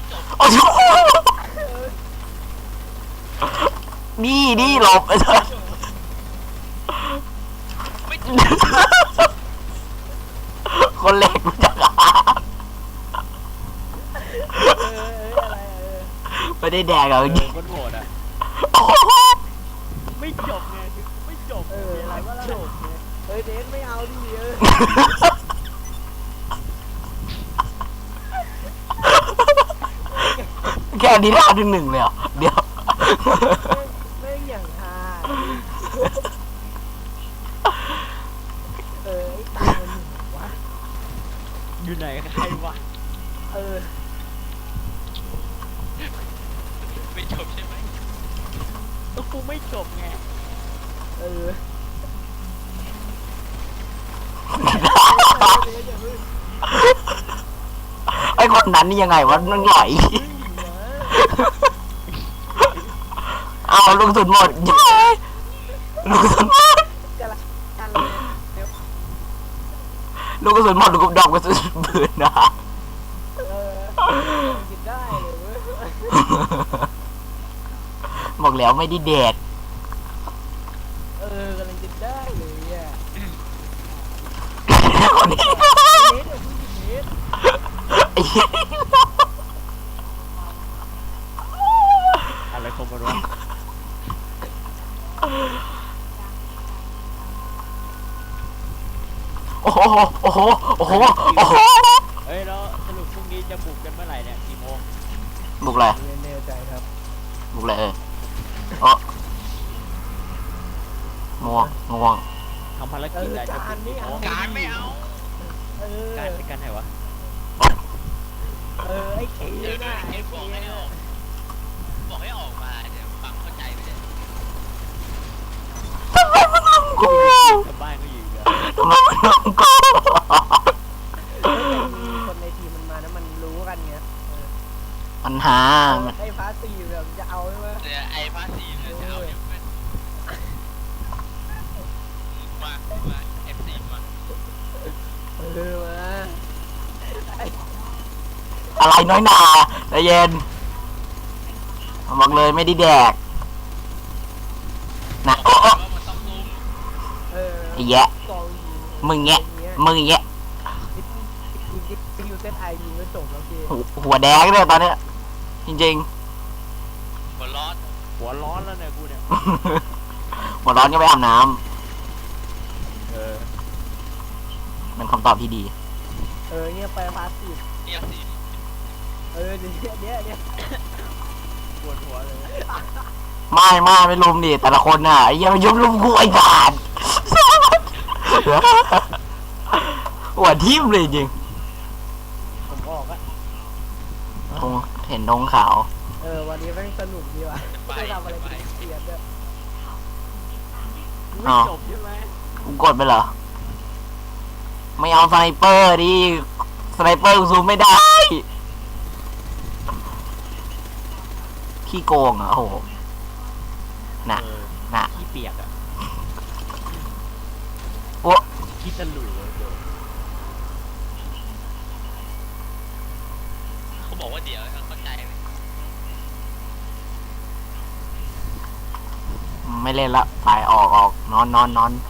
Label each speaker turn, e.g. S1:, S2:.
S1: โอ้โหนี่หลบไปเถอะคนเล็กมันจะ
S2: อะไร
S1: ไม่ได้แดกเหรอจริง
S3: คนโหดอ่ะ ไม่จบไงไม่จบอะไรว่าจบไง
S2: เดนไม่เอาดิ
S1: แค่นี้ท่าที่หนึ่งเลยเหรอเดี๋ยว
S2: แม่งอย่างฮาไอ้ตามันวะ
S3: อยู่ไหนใครวะ
S4: ไม่จบใช่ไหม
S3: ก็กูไม่จบไง
S1: ไอ้คนนั้นนี่ยังไงวะมันไหลเอาลูกสุดหมดลูกสุดหมดลูกกระสุนหมดลูกดอกกระสุนปืนนะ
S2: กินได้เลยเว้ย
S1: บอกแล้วไม่ได้แดก
S2: กำลังกินได้เลยอ่ะ
S1: คนนี้ไอ้เหี้ย
S3: อะไรของมันวะ
S1: โอ้โหโอ้โหโอ้โหโอ้โห
S3: เฮ้ยแล้วสรุปพรุ่งนี้จะบุกกันเมื่อไหร่เนี่ยกี่โมง
S1: บุกเลย
S2: ไม่แน่ใจครับ
S1: บุกเลยโอ้ง่วง
S3: ทำภารกิจอะไรจะบุกกี่โมง
S4: การไม่เอา
S3: การไปกันไหนวะ
S2: ไอ้เขี
S4: เดี๋ยว
S2: น่ะ
S4: เห็นบอกให้ออกบอกให้ออกมาเดี๋ยวฟังเข้าใจไปเลย
S1: ทำไมมันทำกู
S3: ชาวบ้านก็อยู่กัน
S1: ทำไมมันทำกู
S2: คนในทีมมันมานะมันรู้กันไง
S1: ปัญหา
S2: ไอ้ฟ้าตีแบบจะเอาใช่ไหม
S4: เดี๋ยวไอ้ภาษีเนี่ยจะเอาเดี๋ยวเป็นมาเอฟซีมา
S2: มา
S1: อะไรน้อยหนาใจเย็นบอกเลยไม่ได้แดกนะ
S4: บอกว่ามันต้องซุ้ม
S1: ไอ้แยะ
S2: กอง
S1: มึงแยะ
S2: ยูเซตไอยิงก็จบแล้วพี่
S1: หัวแดงเลยตอนเนี้ยจริง
S4: หัวร้อน
S3: หัวร้อนแล้วเนี่ยกูเนี่ย
S1: ๆหัวร้อนก็ไปอาบน้ำเป็นคำตอบที่ดี
S2: เนี่ยไปฟ้าตี
S4: เนี่ยสี
S2: เดี๋ยว
S3: ปวดหัวเลย
S1: ไม่ลุมดิแต่ละคนน่ะไอ้เหี้ยังมายุบลุมกูไอ้บาดหัวทิ่มเลยจริง
S3: ผมออกอะ
S1: ธงเห็นธงขาว
S2: วันนี้แม่งสนุกดีว่ะไม่ทำอะไรเสียด้วย
S3: ไม่จบใช่ไหม
S1: กูกดไปเหรอไม่เอาสไนเปอร์ดิสไนเปอร์กูซูมไม่ได้ขี้โกงอ่ะโอ้โหน่ะ
S3: ขี้เปียกอะ
S1: โอ้
S3: ขี้ตะหลุยเลย
S4: เขาบอกว่าเดี๋ยวเข้าใจไหม
S1: ไม่เล่นละไปออกนอน